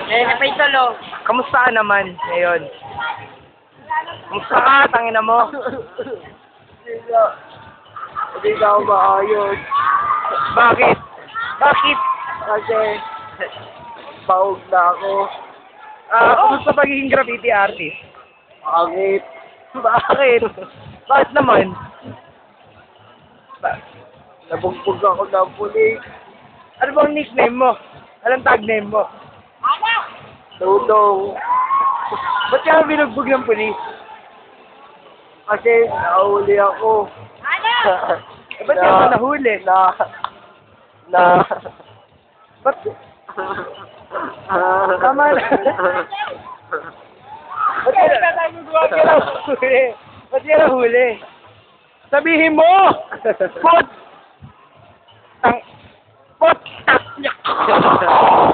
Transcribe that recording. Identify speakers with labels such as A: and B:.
A: Eh, napitolo.
B: Kamusta ka naman ngayon? Kamusta ka? Tangina mo.
C: Hindi na ako maayos.
B: Bakit? Bakit?
C: Kasi, baog na ako.
B: Kamusta pagiging graffiti artist?
C: Pangit.
B: Bakit? Bakit naman?
C: Nabugbog ako ng pulis.
B: Ano bang nickname mo? Anong tag name mo?
C: Dudong.
B: Ba't ka binugbog ng pulis?
C: Kasi, nahuli ako.
B: Ba't ka nahuli? Ba't? Tama na. Ba't ka nahuli? Ba't ka nahuli? Sabihin mo! Pot! Pot!